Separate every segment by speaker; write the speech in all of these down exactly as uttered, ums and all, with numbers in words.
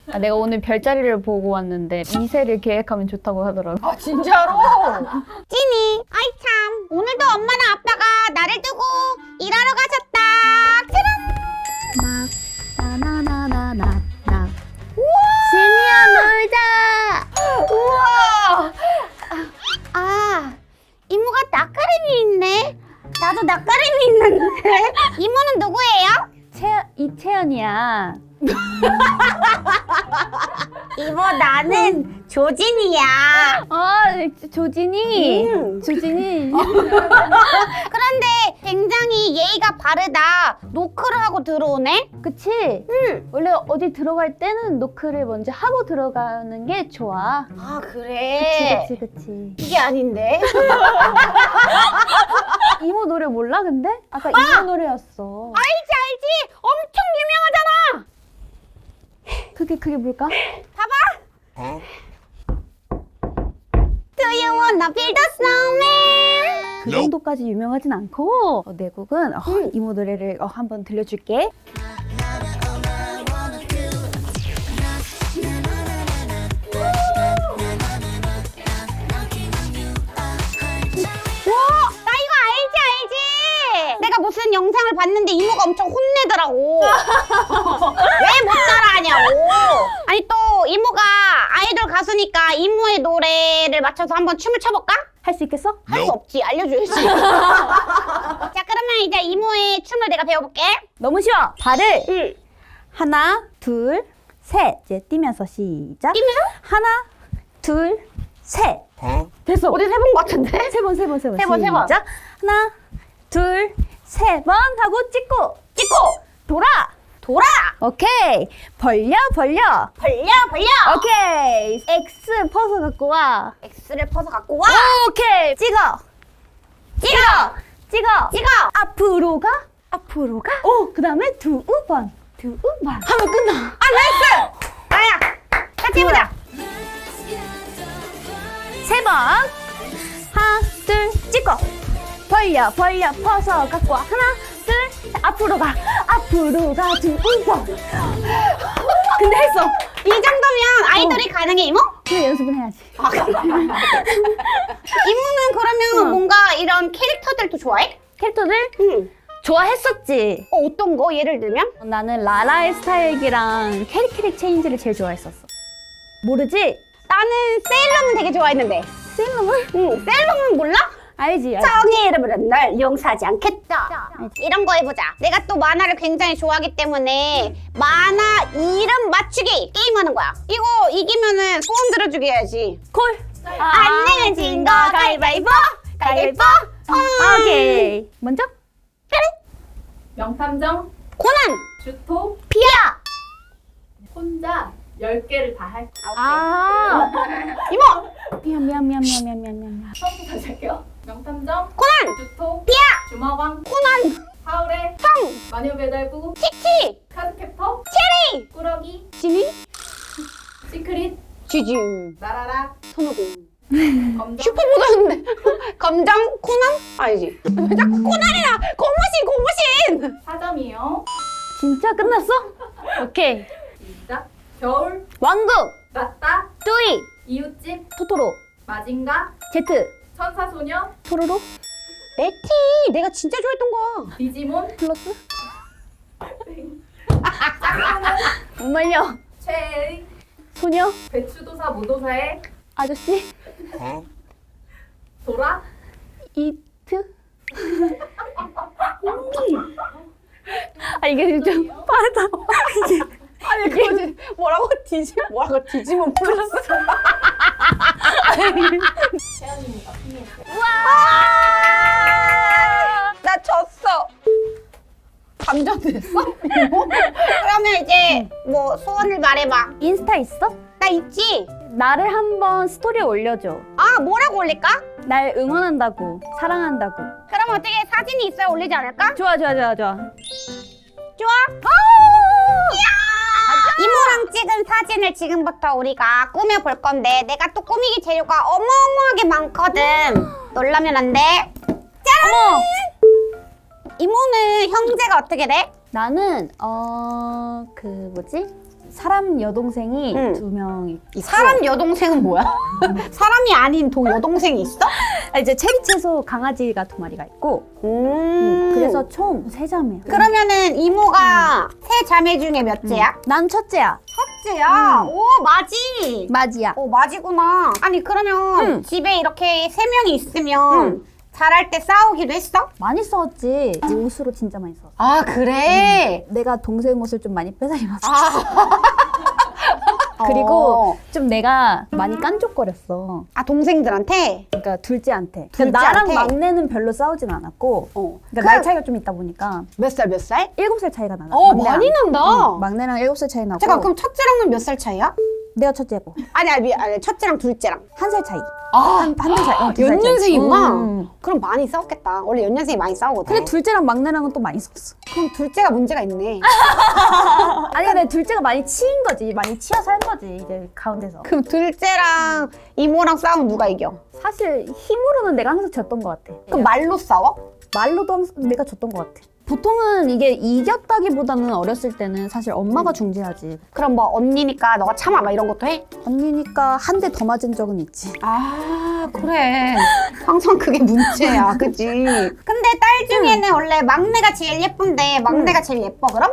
Speaker 1: 아, 내가 오늘 별자리를 보고 왔는데 이세를 계획하면 좋다고 하더라고.
Speaker 2: 아 진짜로?
Speaker 3: 찐이, 아이 참, 오늘도 엄마랑 아빠가 나를 두고 일하러 가셨다. 짜란!
Speaker 1: 나나나나나나.
Speaker 3: 진이야 놀자.
Speaker 2: 우와!
Speaker 3: 아, 이모가 낯가림이 있네. 나도 낯가림이 있는데. 이모는 누구예요?
Speaker 1: 채 이채연이야.
Speaker 3: 이모 나는 조진이야.
Speaker 1: 아 조진이.
Speaker 3: 음.
Speaker 1: 조진이.
Speaker 3: 그런데 굉장히 예의가 바르다. 노크를 하고 들어오네.
Speaker 1: 그치?
Speaker 3: 응.
Speaker 1: 원래 어디 들어갈 때는 노크를 먼저 하고 들어가는 게 좋아.
Speaker 3: 아 그래.
Speaker 1: 그치 그치 그치.
Speaker 3: 이게 아닌데.
Speaker 1: 이모 노래 몰라 근데? 아까 이모 노래였어.
Speaker 3: 알지 알지. 엄청 유명하잖아.
Speaker 1: 그게 그게 뭘까?
Speaker 3: 봐봐. Do you wanna build a snowman?
Speaker 1: 그 정도까지 유명하진 않고 어, 내 곡은 어, 이모 노래를 어, 한번 들려줄게.
Speaker 3: 와, 나 이거 알지 알지. 내가 무슨 영상을 봤는데 이모가 엄청 혼내더라고. 왜 못 따라하냐고. 아니 또 이모가 아이돌 가수니까 이모의 노래를 맞춰서 한번 춤을 춰볼까?
Speaker 1: 할 수 있겠어?
Speaker 3: 할 수 없지. 알려줘야지. 자 그러면 이제 이모의 춤을 내가 배워볼게.
Speaker 1: 너무 쉬워. 발을
Speaker 3: 응.
Speaker 1: 하나, 둘, 셋. 이제 뛰면서 시작.
Speaker 3: 뛰면서?
Speaker 1: 하나, 둘, 셋.
Speaker 3: 됐어. 어디 세본 것 같은데?
Speaker 1: 세 번, 세 번, 세 번.
Speaker 3: 세 번, 세 번.
Speaker 1: 시작. 하나, 둘, 세 번 하고 찍고
Speaker 3: 찍고
Speaker 1: 돌아.
Speaker 3: 돌아.
Speaker 1: 오케이. 벌려, 벌려.
Speaker 3: 벌려 벌려.
Speaker 1: 오케이. X 퍼서 갖고 와.
Speaker 3: X를 퍼서 갖고 와.
Speaker 1: 오케이. 찍어.
Speaker 3: 찍어.
Speaker 1: 찍어.
Speaker 3: 찍어.
Speaker 1: 앞으로 가. 앞으로 가. 오, 그다음에 두 번. 두 번. 하면 끝나.
Speaker 3: 아 나이스. 나야. 같이 해보자.
Speaker 1: 세 번. 하나, 둘, 찍고. 벌려, 벌려, 퍼서 갖고 와. 하나, 둘, 셋. 앞으로 가. 앞으로 가. 두 번. 근데 했어.
Speaker 3: 이 정도면 아이돌이 가능해 이모?
Speaker 1: 근데 연습은 해야지.
Speaker 3: 이모는 그러면
Speaker 1: 응.
Speaker 3: 뭔가 이런 캐릭터들도 좋아해?
Speaker 1: 캐릭터들
Speaker 3: 응.
Speaker 1: 좋아했었지.
Speaker 3: 어, 어떤 거? 예를 들면?
Speaker 1: 나는 라라의 스타일기랑 캐릭캐릭 체인지를 제일 좋아했었어. 모르지?
Speaker 3: 나는 세일러문 되게 좋아했는데.
Speaker 1: 세일러문?
Speaker 3: 응. 세일러문 몰라?
Speaker 1: 알지, 알지.
Speaker 3: 정의 이름으로 널 용서하지 않겠다. 이런 거 해보자. 내가 또 만화를 굉장히 좋아하기 때문에 만화 이름 맞추기 게임하는 거야. 이거 이기면은 소원 들어주게 해야지.
Speaker 1: 콜.
Speaker 3: 안 내면 진 거 가위바위보. 가위바위보. 음.
Speaker 1: 오케이. 먼저?
Speaker 4: 명탐정,
Speaker 3: 코난.
Speaker 4: 주토,
Speaker 3: 피아.
Speaker 4: 혼자 열 개를 다 할.
Speaker 1: 아.
Speaker 3: 이모.
Speaker 1: 미안, 미안, 미안, 미안, 미안, 미안, 미안.
Speaker 4: 처음부터 다시 할게요. 명탐정,
Speaker 3: 코난.
Speaker 4: 주토,
Speaker 3: 피아.
Speaker 4: 주마왕,
Speaker 3: 코난.
Speaker 4: 하울의
Speaker 3: 성.
Speaker 4: 마녀배달부,
Speaker 3: 치치.
Speaker 4: 카드캡터,
Speaker 3: 체리.
Speaker 4: 꾸러기,
Speaker 3: 지니.
Speaker 4: 시크릿,
Speaker 3: 지지.
Speaker 4: 나라라,
Speaker 3: 손오공.
Speaker 4: 검정,
Speaker 3: 슈퍼보드였는데. 검정 코난? 아니지. 왜 자꾸 코난이야? 고무신 고무신.
Speaker 4: 사 점이요.
Speaker 1: 진짜 끝났어? 오케이.
Speaker 4: 시작. 겨울,
Speaker 1: 왕국.
Speaker 4: 낮다,
Speaker 1: 뚜이.
Speaker 4: 이웃집,
Speaker 1: 토토로.
Speaker 4: 마징가,
Speaker 1: 제트.
Speaker 4: 천사소녀,
Speaker 1: 토로로.
Speaker 3: 내 티. 내가 진짜 좋아했던 거야.
Speaker 4: 디지몬,
Speaker 1: 플러스.
Speaker 4: 짝꿍은
Speaker 1: 못 말려.
Speaker 4: 최애의
Speaker 1: 소녀.
Speaker 4: 배추도사 모도사의
Speaker 1: 아저씨.
Speaker 4: 도라,
Speaker 1: 이트. 아 이게 좀 빠르다. 이게
Speaker 3: 아니 그거지. 뭐라고? 디지 뭐라고? 디지몬 플러스.
Speaker 4: 채연이가 승리했어요.
Speaker 3: 나 졌어. 감전됐어? 그러면 이제 뭐 소원을 말해봐.
Speaker 1: 인스타 있어?
Speaker 3: 나 있지?
Speaker 1: 나를 한번 스토리에 올려줘.
Speaker 3: 아 뭐라고 올릴까?
Speaker 1: 날 응원한다고, 사랑한다고.
Speaker 3: 그럼 어떻게 사진이 있어야 올리지 않을까?
Speaker 1: 좋아, 좋아, 좋아, 좋아.
Speaker 3: 좋아? 이모랑 찍은 사진을 지금부터 우리가 꾸며볼 건데 내가 또 꾸미기 재료가 어마어마하게 많거든. 놀라면 안 돼. 짠!
Speaker 1: 어머!
Speaker 3: 이모는 형제가 어떻게 돼?
Speaker 1: 나는 어... 그 뭐지? 사람 여동생이
Speaker 3: 응.
Speaker 1: 두 명 있고
Speaker 3: 사람 여동생은 뭐야? 사람이 아닌 동 여동생이 있어?
Speaker 1: 아, 이제 체리 채소 강아지가 두 마리가 있고
Speaker 3: 음.
Speaker 1: 그래서 총 세 자매야.
Speaker 3: 그러면은 이모가 세 자매 중에 몇째야?
Speaker 1: 난 첫째야.
Speaker 3: 첫째야. 오 맞이.
Speaker 1: 맞이야.
Speaker 3: 오 맞이구나. 아니 그러면
Speaker 1: 응.
Speaker 3: 집에 이렇게 세 명이 있으면
Speaker 1: 응.
Speaker 3: 잘할 때 싸우기도 했어?
Speaker 1: 많이 싸웠지. 옷으로 진짜 많이 싸웠어.
Speaker 3: 아 그래?
Speaker 1: 내가 동생 옷을 좀 많이 뺏어 입었어.
Speaker 3: 아.
Speaker 1: 그리고
Speaker 3: 어.
Speaker 1: 좀 내가 많이 깐족거렸어.
Speaker 3: 아 동생들한테?
Speaker 1: 그러니까 둘째한테. 그러니까
Speaker 3: 둘째한테?
Speaker 1: 나랑 막내는 별로 싸우진 않았고
Speaker 3: 어.
Speaker 1: 그러니까
Speaker 3: 그-
Speaker 1: 나이 차이가 좀 있다 보니까
Speaker 3: 몇 살 몇 살?
Speaker 1: 일곱 살 차이가 나나.
Speaker 3: 어
Speaker 1: 막내랑.
Speaker 3: 많이 난다.
Speaker 1: 응, 막내랑 일곱 살 차이 나고
Speaker 3: 잠깐 그럼 첫째랑은 몇 살 차이야?
Speaker 1: 내가 첫째고
Speaker 3: 아니 아니, 아니 첫째랑 둘째랑.
Speaker 1: 한 살 차이.
Speaker 3: 아,
Speaker 1: 한 달 차이. 어, 두살 차이.
Speaker 3: 연년생이구나.
Speaker 1: 응, 응.
Speaker 3: 그럼 많이 싸웠겠다. 원래 연년생이 많이 싸우거든.
Speaker 1: 근데 둘째랑 막내랑은 또 많이 싸웠어.
Speaker 3: 그럼 둘째가 문제가 있네.
Speaker 1: 아니 근데 둘째가 많이 치인 거지. 많이 치여서 한 거지. 이제 가운데서.
Speaker 3: 그럼 둘째랑 이모랑 싸우면 누가 이겨?
Speaker 1: 사실 힘으로는 내가 항상 졌던 것 같아.
Speaker 3: 그럼 말로 싸워?
Speaker 1: 말로도 항상 내가 졌던 것 같아. 보통은 이게 이겼다기보다는 어렸을 때는 사실 엄마가 중재하지.
Speaker 3: 그럼 뭐 언니니까 너가 참아 막 이런 것도 해?
Speaker 1: 언니니까 한 대 더 맞은 적은 있지.
Speaker 3: 아 그래. 항상 그게 문제야, 그치? 근데 딸 중에는 원래 막내가 제일 예쁜데 막내가 제일 예뻐 그럼?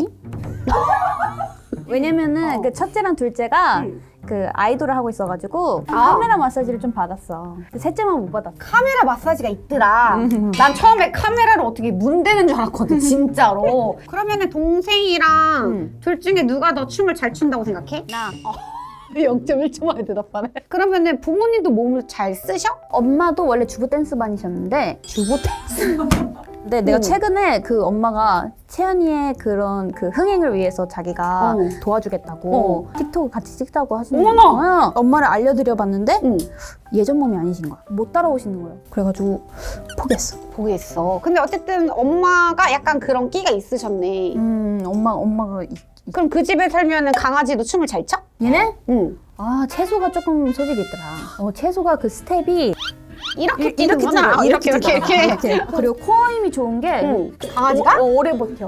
Speaker 1: 왜냐면은
Speaker 3: 어.
Speaker 1: 그 첫째랑 둘째가
Speaker 3: 응.
Speaker 1: 그 아이돌을 하고 있어가지고
Speaker 3: 아.
Speaker 1: 카메라 마사지를 좀 받았어. 근데 셋째만 못 받았어.
Speaker 3: 카메라 마사지가 있더라. 난 처음에 카메라를 어떻게 문대는 줄 알았거든, 진짜로. 그러면은 동생이랑
Speaker 1: 응.
Speaker 3: 둘 중에 누가 더 춤을 잘 춘다고 생각해?
Speaker 1: 나
Speaker 3: 영 점 일 초 만에 대답하네. 그러면은 부모님도 몸을 잘 쓰셔?
Speaker 1: 엄마도 원래 주부 댄스반이셨는데 주부 댄스. 근데 내가
Speaker 3: 응.
Speaker 1: 최근에 그 엄마가 채연이의 그런 그 흥행을 위해서 자기가
Speaker 3: 어.
Speaker 1: 도와주겠다고 틱톡 같이 찍자고 하시는
Speaker 3: 어머나!
Speaker 1: 거예요. 엄마를 알려드려봤는데
Speaker 3: 응.
Speaker 1: 예전 몸이 아니신 거야. 못 따라오시는 거예요. 그래가지고 포기했어.
Speaker 3: 보겠어. 근데 어쨌든 엄마가 약간 그런 끼가 있으셨네.
Speaker 1: 음, 엄마 엄마가 이, 이-
Speaker 3: 그럼 그 집에 살면은 강아지도 춤을 잘 춰?
Speaker 1: 얘네?
Speaker 3: 응.
Speaker 1: 아 채소가 조금 소질이 있더라. 어 채소가 그 스텝이
Speaker 3: 이렇게
Speaker 1: 이-
Speaker 3: 뛰는구나.
Speaker 1: 뛰더라.
Speaker 3: 아, 이렇게 이렇게
Speaker 1: 뛰더라.
Speaker 3: 이렇게.
Speaker 1: 그리고 코어 힘이 좋은 게
Speaker 3: 응. 강아지가?
Speaker 1: 오, 오래 버텨.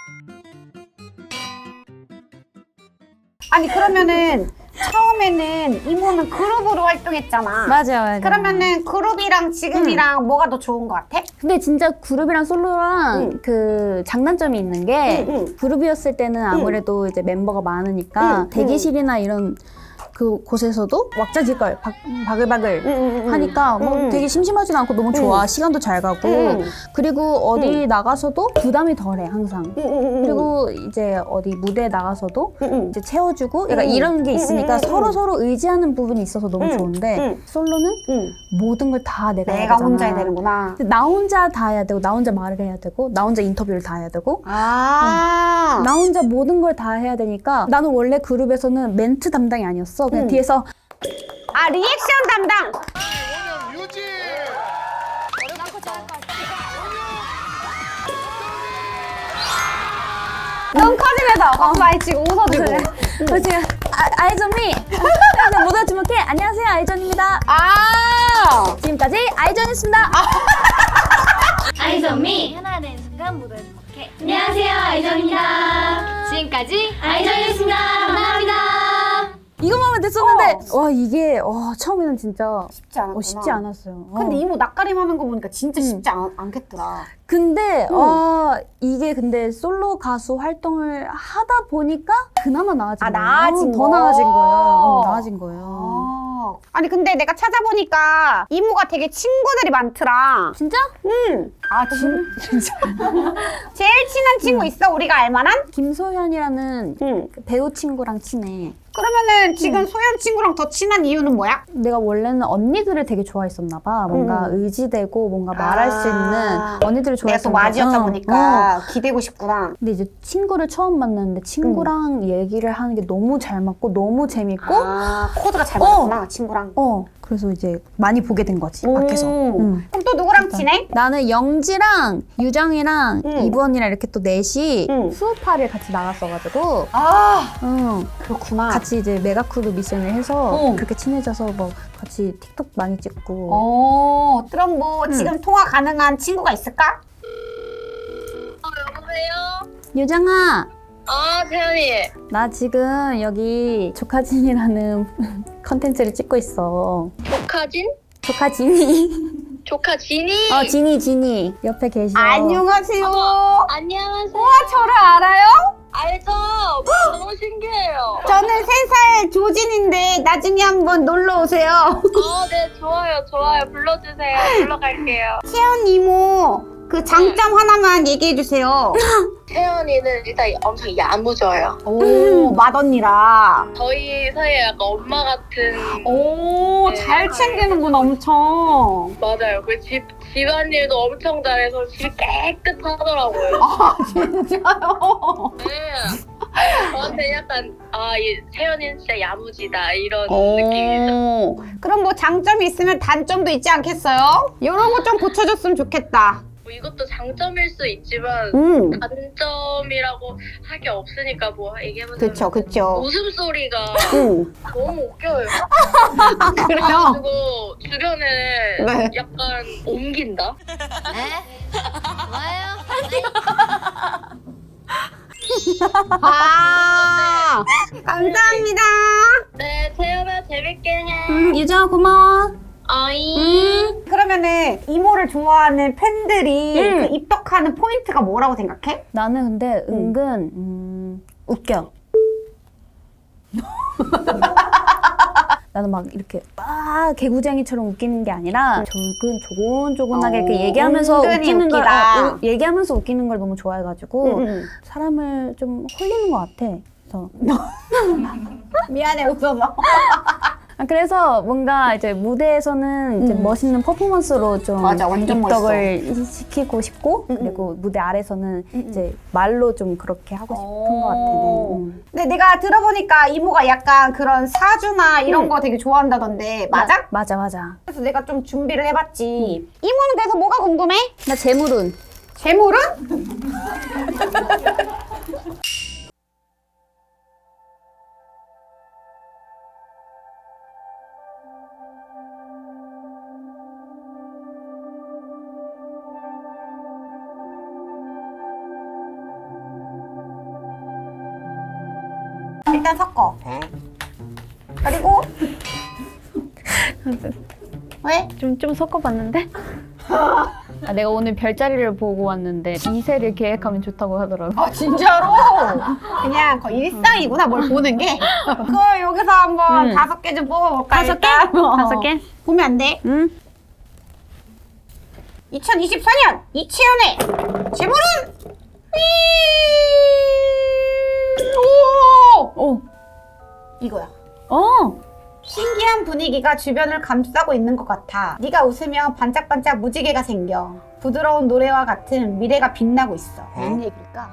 Speaker 3: 아니 그러면은 처음에는 이모는 그룹으로 활동했잖아.
Speaker 1: 맞아 맞아.
Speaker 3: 그러면은 그룹이랑 지금이랑 뭐가 더 좋은 것 같아?
Speaker 1: 근데 진짜 그룹이랑 솔로랑
Speaker 3: 응.
Speaker 1: 그 장단점이 있는 게
Speaker 3: 응, 응.
Speaker 1: 그룹이었을 때는 아무래도 이제 멤버가 많으니까
Speaker 3: 응,
Speaker 1: 대기실이나 이런 그 곳에서도 왁자지껄 박, 바글바글
Speaker 3: 응,
Speaker 1: 하니까 뭐
Speaker 3: 응, 응.
Speaker 1: 되게 심심하진 않고 너무 좋아. 시간도 잘 가고
Speaker 3: 응.
Speaker 1: 그리고 어디 나가서도 부담이 덜해 항상.
Speaker 3: 응, 응, 응.
Speaker 1: 그리고 이제 어디 무대에 나가서도
Speaker 3: 응, 응.
Speaker 1: 이제 채워주고 약간
Speaker 3: 응.
Speaker 1: 이런 게 있으니까
Speaker 3: 응, 응, 응.
Speaker 1: 서로 서로 의지하는 부분이 있어서 너무
Speaker 3: 응,
Speaker 1: 좋은데
Speaker 3: 응.
Speaker 1: 솔로는
Speaker 3: 응.
Speaker 1: 모든 걸 다 내가 해야
Speaker 3: 내가
Speaker 1: 되잖아.
Speaker 3: 혼자 해야 되는구나.
Speaker 1: 근데 나 혼자 다 해야 되고 나 혼자 말을 해야 되고 나 혼자 인터뷰를 다 해야 되고
Speaker 3: 아.
Speaker 1: 나 혼자 모든 걸 다 해야 되니까 나는 원래 그룹에서는 멘트 담당이 아니었어. 그냥
Speaker 3: 응.
Speaker 1: 뒤에서
Speaker 3: 아 리액션 담당.
Speaker 2: 유지!
Speaker 3: 너무 커지면서 박수 많이 치고 웃어주고.
Speaker 1: 그렇지. 아, 아이전미 그래서 모두 주목해. 안녕하세요 아이전입니다.
Speaker 3: 아.
Speaker 1: 지금까지 아이전이었습니다.
Speaker 5: 아이전미
Speaker 1: 하나 되는 순간 모두 주목해.
Speaker 5: 안녕하세요 아이전입니다. 지금까지 아이전이었습니다. 감사합니다.
Speaker 1: 이것만 하면 됐었는데 와 이게 와 처음에는 진짜
Speaker 3: 쉽지 않았구나.
Speaker 1: 어, 쉽지 않았어요. 어.
Speaker 3: 근데 이모 낯가림 하는 거 보니까 진짜 쉽지 않, 않겠더라.
Speaker 1: 근데 아 이게 근데 솔로 가수 활동을 하다 보니까 그나마 나아진
Speaker 3: 아,
Speaker 1: 거예요.
Speaker 3: 나아진
Speaker 1: 더
Speaker 3: 거?
Speaker 1: 나아진 거예요. 어, 나아진 거예요.
Speaker 3: 아. 아니 근데 내가 찾아보니까 이모가 되게 친구들이 많더라.
Speaker 1: 진짜?
Speaker 3: 응. 아 진, 진짜. 제일 친한 친구 있어? 우리가 알만한?
Speaker 1: 김소현이라는
Speaker 3: 응.
Speaker 1: 그 배우 친구랑 친해.
Speaker 3: 그러면은 지금 소연 친구랑 더 친한 이유는 뭐야?
Speaker 1: 내가 원래는 언니들을 되게 좋아했었나 봐. 뭔가
Speaker 3: 음.
Speaker 1: 의지되고 뭔가 말할 수
Speaker 3: 아.
Speaker 1: 있는 언니들을
Speaker 3: 내가 또
Speaker 1: 좋아했었나
Speaker 3: 맞이였다
Speaker 1: 봐.
Speaker 3: 보니까
Speaker 1: 어.
Speaker 3: 기대고 싶구나.
Speaker 1: 근데 이제 친구를 처음 만났는데 친구랑 얘기를 하는 게 너무 잘 맞고 너무 재밌고
Speaker 3: 아 코드가 잘 맞았구나 친구랑.
Speaker 1: 어 그래서 이제 많이 보게 된 거지 밖에서.
Speaker 3: 오.
Speaker 1: 응.
Speaker 3: 그럼 또 누구랑 친해?
Speaker 1: 나는 영지랑 유정이랑
Speaker 3: 응.
Speaker 1: 이브 언니랑 이렇게 또 넷이
Speaker 3: 응.
Speaker 1: 수우파를 같이 나갔어가지고
Speaker 3: 아
Speaker 1: 응.
Speaker 3: 그렇구나.
Speaker 1: 같이 이제 메가크루 미션을 해서
Speaker 3: 응.
Speaker 1: 그렇게 친해져서 뭐 같이 틱톡 많이 찍고
Speaker 3: 어 그럼 뭐 지금 통화 가능한 친구가 있을까?
Speaker 5: 어 여보세요?
Speaker 1: 유정아
Speaker 5: 어
Speaker 2: 아, 태연이.
Speaker 1: 나 지금 여기 조카진이라는 컨텐츠를 찍고 있어.
Speaker 2: 조카진?
Speaker 1: 조카진이.
Speaker 2: 조카 진이.
Speaker 1: 어, 진이, 진이. 옆에 계셔.
Speaker 3: 안녕하세요.
Speaker 2: 안녕하세요.
Speaker 3: 우와, 저를 알아요?
Speaker 2: 알죠? 너무 신기해요.
Speaker 3: 저는 세 살 조진인데 나중에 한번 놀러 오세요.
Speaker 2: 어, 네, 좋아요, 좋아요. 불러주세요. 불러갈게요.
Speaker 3: 채연 이모 그 장점 하나만 얘기해 주세요.
Speaker 2: 태연이는 일단 엄청 야무져요.
Speaker 3: 오, 맏언니라.
Speaker 2: 저희 사이에 약간 엄마 같은.
Speaker 3: 오,
Speaker 2: 네.
Speaker 3: 잘 챙기는구나 엄청.
Speaker 2: 맞아요. 그 집, 집안일도 엄청 잘해서 집이 깨끗하더라고요.
Speaker 3: 아, 진짜요?
Speaker 2: 네. 저한테 약간, 아, 이 태연이는 진짜 야무지다. 이런 느낌이죠.
Speaker 3: 오, 그럼 뭐 장점이 있으면 단점도 있지 않겠어요? 이런 거 좀 고쳐줬으면 좋겠다.
Speaker 2: 뭐 이것도 장점일 수 있지만,
Speaker 3: 음,
Speaker 2: 단점이라고 할 게 없으니까 뭐 얘기해보자면.
Speaker 3: 그쵸, 그쵸.
Speaker 2: 웃음소리가
Speaker 3: 음,
Speaker 2: 너무 웃겨요.
Speaker 3: 아, 그래요?
Speaker 2: 그리고 주변에
Speaker 3: 네.
Speaker 2: 약간 옮긴다?
Speaker 3: 아, 감사합니다.
Speaker 2: 네, 태연아 재밌게 해.
Speaker 1: 음, 유정아 고마워.
Speaker 2: 어이.
Speaker 3: 그러면은 이모를 좋아하는 팬들이
Speaker 1: 음.
Speaker 3: 그 입덕하는 포인트가 뭐라고 생각해?
Speaker 1: 나는 근데 은근 음, 웃겨. 나는 막 이렇게 막 개구쟁이처럼 웃기는 게 아니라 조근 조곤조곤하게 이렇게
Speaker 3: 어,
Speaker 1: 얘기하면서
Speaker 3: 은근히
Speaker 1: 웃기는 걸
Speaker 3: 웃기다.
Speaker 1: 어, 우- 얘기하면서 웃기는 걸 너무 좋아해가지고
Speaker 3: 음, 음.
Speaker 1: 사람을 좀 홀리는 것 같아. 그래서
Speaker 3: 미안해 웃어서.
Speaker 1: 아, 그래서 뭔가 이제 무대에서는 이제
Speaker 3: 음.
Speaker 1: 멋있는 퍼포먼스로 좀
Speaker 3: 맞아, 완전
Speaker 1: 입덕을 시키고 싶고
Speaker 3: 음, 음.
Speaker 1: 그리고 무대 아래서는
Speaker 3: 음, 음.
Speaker 1: 이제 말로 좀 그렇게 하고 싶은 것 같아.
Speaker 3: 오.
Speaker 1: 음.
Speaker 3: 근데 내가 들어보니까 이모가 약간 그런 사주나 이런
Speaker 1: 음.
Speaker 3: 거 되게 좋아한다던데 맞아?
Speaker 1: 맞아 맞아.
Speaker 3: 그래서 내가 좀 준비를 해봤지. 이모는 그래서 뭐가 궁금해?
Speaker 1: 나 재물운.
Speaker 3: 재물은? 일단 섞어. 그리고 왜?
Speaker 1: 좀, 좀 섞어봤는데? 아, 내가 오늘 별자리를 보고 왔는데 이세를 계획하면 좋다고 하더라고.
Speaker 3: 아 진짜로? 그냥 거의 일상이구나 뭘 보는 게. 그럼 여기서 한번
Speaker 1: 음.
Speaker 3: 다섯 개 좀 뽑아볼까?
Speaker 1: 다섯 개?
Speaker 3: 일단? 어.
Speaker 1: 다섯 개?
Speaker 3: 보면 안 돼.
Speaker 1: 응?
Speaker 3: 이천이십사 년 이채연의 재물은 오!
Speaker 1: 오!
Speaker 3: 이거야.
Speaker 1: 어!
Speaker 3: 신기한 분위기가 주변을 감싸고 있는 것 같아. 네가 웃으면 반짝반짝 무지개가 생겨. 부드러운 노래와 같은 미래가 빛나고 있어. 무슨 얘기일까?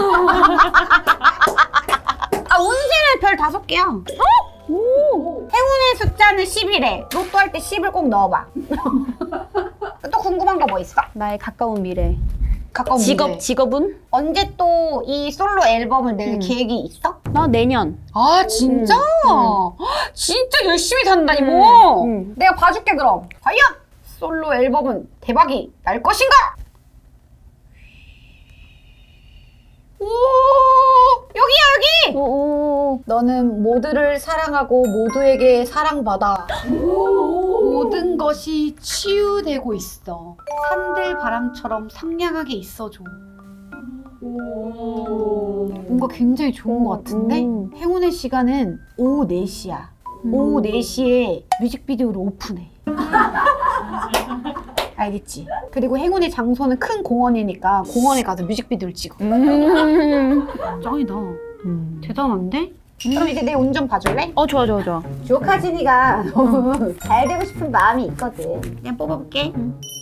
Speaker 3: 아 운세는 별 다섯 개야. 오! 행운의 숫자는 십이래. 로또 할 때 십을 꼭 넣어봐. 또 궁금한 거 뭐 있어?
Speaker 1: 나의 가까운 미래.
Speaker 3: 가까운
Speaker 1: 직업,
Speaker 3: 미래.
Speaker 1: 직업은?
Speaker 3: 언제 또 이 솔로 앨범을 낼
Speaker 1: 음.
Speaker 3: 계획이 있어?
Speaker 1: 나 내년.
Speaker 3: 아 진짜?
Speaker 1: 음,
Speaker 3: 진짜 열심히 산다 이모.
Speaker 1: 음.
Speaker 3: 내가 봐줄게 그럼. 과연 솔로 앨범은 대박이 날 것인가? 오 여기야 여기.
Speaker 1: 오,
Speaker 3: 너는 모두를 사랑하고 모두에게 사랑받아. 모든 것이 치유되고 있어. 산들 바람처럼 상냥하게 있어줘. 뭔가 굉장히 좋은 것 같은데?
Speaker 1: 음.
Speaker 3: 행운의 시간은 오후 네 시야. 오후 네 시에 뮤직비디오를 오픈해. 알겠지? 그리고 행운의 장소는 큰 공원이니까 공원에 가서 뮤직비디오를 찍어.
Speaker 1: 음.
Speaker 3: 짱이다.
Speaker 1: 음.
Speaker 3: 대단한데? 그럼 이제 내 운 좀 봐줄래?
Speaker 1: 어, 좋아, 좋아, 좋아.
Speaker 3: 조카진이가 너무 잘 되고 싶은 마음이 있거든. 그냥 뽑아볼게.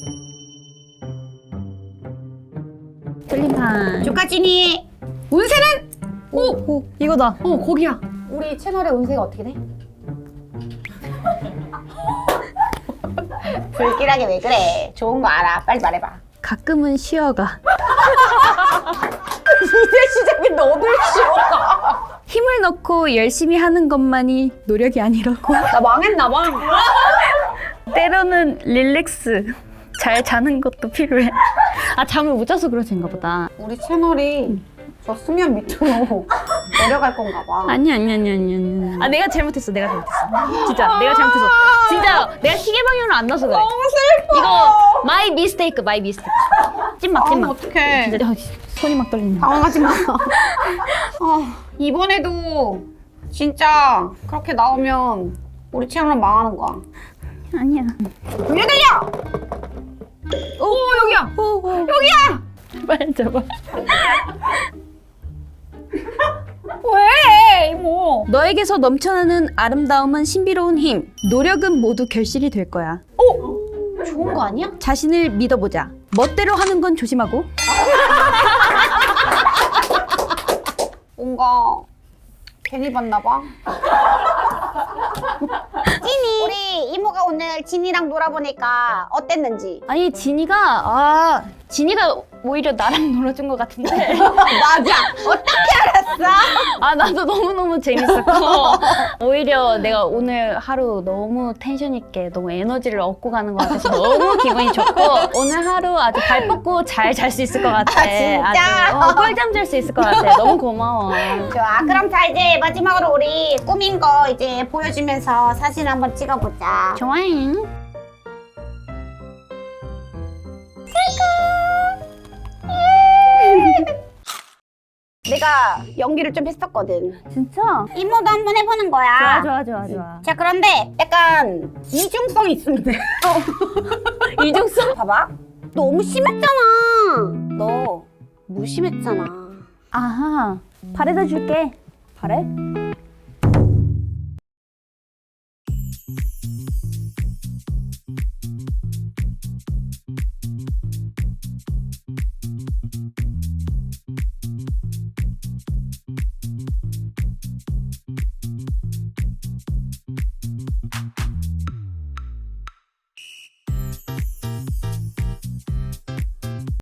Speaker 1: 틀림판.
Speaker 3: 조카진이 운세는?
Speaker 1: 오, 오, 이거다.
Speaker 3: 어, 거기야. 우리 채널의 운세가 어떻게 돼? 불길하게 왜 그래? 좋은 거 알아. 빨리 말해봐.
Speaker 1: 가끔은 쉬어가.
Speaker 3: 이제 시작인데 어딜 쉬어가?
Speaker 1: 힘을 넣고 열심히 하는 것만이 노력이 아니라고.
Speaker 3: 나 망했나 봐.
Speaker 1: 때로는 릴렉스. 잘 자는 것도 필요해. 아, 잠을 못 자서 그러신가 보다.
Speaker 3: 우리 채널이 저 수면 밑으로 내려갈 건가 봐.
Speaker 1: 아니 아니 아니 아니 아니. 아 내가 잘못했어. 내가 잘못했어. 진짜 내가 잘못했어. 진짜 내가 시계 방향을 안 놔서 그래.
Speaker 3: 너무 슬퍼.
Speaker 1: 이거 마이 미스테이크 마이 미스테이크. 찐막
Speaker 3: 아,
Speaker 1: 찐막.
Speaker 3: 어떡해.
Speaker 1: 진짜 어, 손이 막 떨리네.
Speaker 3: 당황하지 마. 아, 이번에도 진짜 그렇게 나오면 우리 채널은 망하는 거야.
Speaker 1: 아니야.
Speaker 3: 왜 들려? 오, 여기야.
Speaker 1: 오, 오.
Speaker 3: 여기야.
Speaker 1: 빨리 잡아.
Speaker 3: 왜, 이모?
Speaker 1: 너에게서 넘쳐나는 아름다움은 신비로운 힘. 노력은 모두 결실이 될 거야.
Speaker 3: 좋은 거 아니야?
Speaker 1: 자신을 믿어보자. 멋대로 하는 건 조심하고.
Speaker 3: 뭔가 괜히 봤나 봐. 진이, 우리 이모가 오늘 진이랑 놀아보니까 어땠는지.
Speaker 1: 아니 진이가 아 진이가 오히려 나랑 놀아준 것 같은데.
Speaker 3: 맞아. 어떻게 알았어?
Speaker 1: 아 나도 너무너무 재밌었고 오히려 내가 오늘 하루 너무 텐션 있게 너무 에너지를 얻고 가는 것 같아서 너무 기분이 좋고 오늘 하루 아주 발 뻗고 잘 잘 수 있을 것 같아.
Speaker 3: 아, 진짜?
Speaker 1: 아주, 어, 꿀잠 잘 수 있을 것 같아. 너무 고마워.
Speaker 3: 좋아. 그럼 자, 이제 마지막으로 우리 꾸민 거 이제 보여주면서 사진 한번 찍어보자.
Speaker 1: 좋아잉.
Speaker 3: 내가 연기를 좀 했었거든.
Speaker 1: 진짜?
Speaker 3: 이모도 한번 해보는 거야.
Speaker 1: 좋아 좋아 좋아 좋아.
Speaker 3: 자, 그런데 약간 이중성이 있으면 돼.
Speaker 1: 이중성?
Speaker 3: 봐봐. 너무 심했잖아. 너 무심했잖아.
Speaker 1: 아하. 발에다 줄게. 발에?